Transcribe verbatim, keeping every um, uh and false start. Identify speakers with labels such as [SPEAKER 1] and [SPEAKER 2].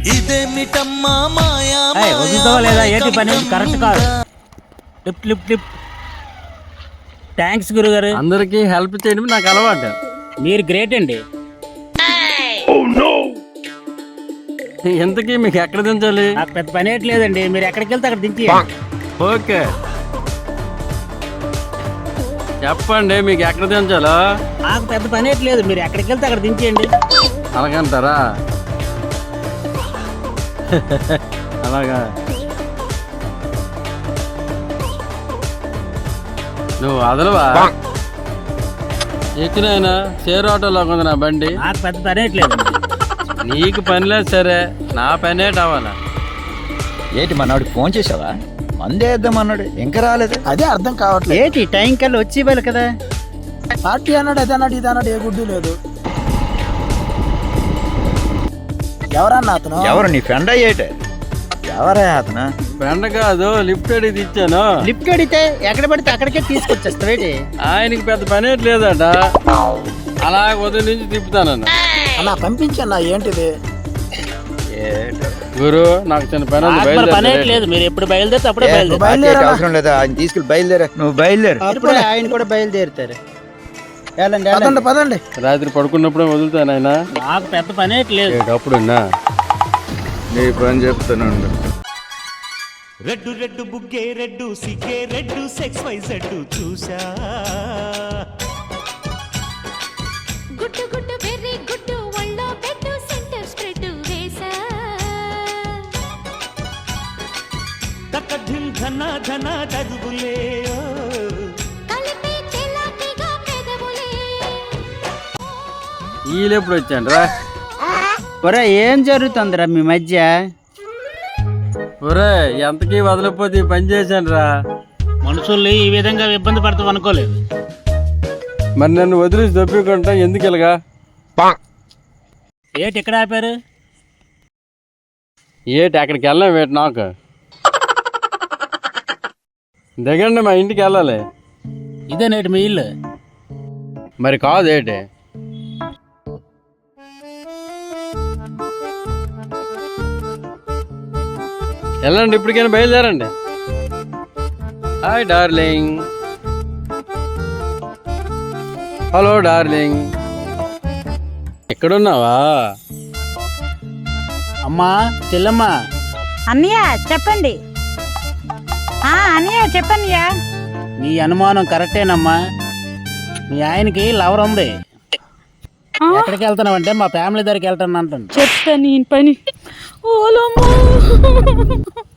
[SPEAKER 1] ఇదేమిటమ్మా మాయా
[SPEAKER 2] వదులుతావా లేదా ఏంటి పని కరెక్ట్ కాదు. Lift lift lift. థ్యాంక్స్ గురుగారు.
[SPEAKER 3] అందరికి హెల్ప్ చేయడం నాకు అలవాటు.
[SPEAKER 2] మీరు గ్రేట్ అండి.
[SPEAKER 3] ఎంతకీ మీకు ఎక్కడ దించాలి?
[SPEAKER 2] నాకు పెద్ద పని ఏట్లేదండి, మీరు ఎక్కడికి వెళ్తే అక్కడ దించి.
[SPEAKER 3] ఓకే చెప్పండి మీకు ఎక్కడ దించాలో.
[SPEAKER 2] నాకు పెద్ద పని ఏట్లేదు, మీరు ఎక్కడికి వెళ్తే అక్కడ దించేయండి.
[SPEAKER 3] అలాగంటారా? అలాగా నువ్వు అదలవా? ఎక్కినైనా షేర్ ఆటోలో ఉంది నా బండి.
[SPEAKER 2] నాకు పెద్ద పని ఏట్లేదు.
[SPEAKER 3] నీకు పని లేదు సరే, నా పని ఏంటి అవ్వాలా?
[SPEAKER 4] ఏంటి మన్నాడికి ఫోన్ చేసావా? మందే వేద్దాం అన్నాడు, ఇంకా రాలేదు.
[SPEAKER 5] అదే అర్థం కావట్లేదు.
[SPEAKER 2] ఏంటి టైం కల్లా వచ్చి ఇవ్వాలి కదా.
[SPEAKER 5] పార్టీ అన్నాడు, అదే అన్నాడు, ఇది అన్నాడు, ఏ గుడ్డు లేదు. ఎవరన్నా అతను?
[SPEAKER 4] ఎవరు నీ ఫ్రెండ్ అయ్యేటే? ఎవరా అతను?
[SPEAKER 3] ఫ్రెండ్ కాదు, లిఫ్ట్ అడిగి ఇచ్చాను.
[SPEAKER 2] లిఫ్ట్ అడిగితే ఎక్కడ పడితే అక్కడికే తీసుకొచ్చేస్తావేటి?
[SPEAKER 3] ఆయనకి పెద్ద పని ఏంటి లేదట, అలా ఉదయం నుంచి తిప్పుతానన్న.
[SPEAKER 5] అన్నా పంపించన్నా. ఏంటిది
[SPEAKER 3] గురు? నాకు చిన్న పని ఉంది,
[SPEAKER 2] పని
[SPEAKER 3] బయలుదేరు.
[SPEAKER 2] లేదు, మీరు ఎప్పుడు బయలుదేరితే అప్పుడే బయలుదేరు.
[SPEAKER 5] బయలుదేరా.
[SPEAKER 4] అవసరం లేదా, ఆయన తీసుకెళ్ళి బయలుదేరా. నువ్వు బయలుదేరు.
[SPEAKER 2] అప్పుడే ఆయన కూడా బయలుదేరుతారు.
[SPEAKER 5] పదండి పదండి.
[SPEAKER 3] రాత్రి పడుకున్నప్పుడే వదులుతాను ఆయన.
[SPEAKER 2] నాకు పెద్ద పని లేదు.
[SPEAKER 3] అప్పుడున్నా
[SPEAKER 4] నీ పని చెప్తాను.
[SPEAKER 1] రెడ్డు రెడ్డు బుగ్గే రెడ్డు సిగ్గే రెడ్డు సెక్స్ వై జెడ్డు చూసా.
[SPEAKER 6] గుట్టు గుట్టు వెర్రి గుట్టు ఒళ్ళో పెట్టు సెంటర్ స్ప్రెడ్ వేసా.
[SPEAKER 1] తక్క ధిమ్ ధన ధన దరువులే
[SPEAKER 6] కలిపి తెలాకిగా పెదవులే.
[SPEAKER 3] వీళ్ళెప్పుడు వచ్చాను రా?
[SPEAKER 2] ఒరే ఏం జరుగుతుందిరా మీ మధ్య?
[SPEAKER 3] ఒరే ఎంతకీ వదలకపోతే ఈ పని చేశాను రా.
[SPEAKER 2] మనుషుల్ని ఈ విధంగా ఇబ్బంది పడతాం అనుకోలేదు.
[SPEAKER 3] మరి నన్ను వదిలేసి దొప్పికుంటా ఎందుకు ఇలాగా?
[SPEAKER 2] ఏటి ఎక్కడ ఆపారు?
[SPEAKER 3] ఏటి అక్కడికి వెళ్ళాం వేటి నాకు దిగండి, మా ఇంటికి వెళ్ళాలి.
[SPEAKER 2] ఇదే నేటి మీ ఇల్లు?
[SPEAKER 3] మరి కాదు ఏటి? వెళ్ళండి, ఇప్పటికైనా బయలుదేరండి. Hi darling. హలో డార్లింగ్, ఎక్కడున్నావా?
[SPEAKER 2] అమ్మా చెల్లమ్మా.
[SPEAKER 7] అన్నయ్య చెప్పండి. ఆ అన్నయ్య చెప్పన్నయ్య.
[SPEAKER 2] నీ అనుమానం కరెక్టేనమ్మా. మీ ఆయనకి లవర్ ఉంది. ఎక్కడికి వెళ్తున్నావంటే మా ఫ్యామిలీ దగ్గరికి వెళ్తాను అంటాను.
[SPEAKER 7] చెప్తా నీ పని. ఓలమ్మా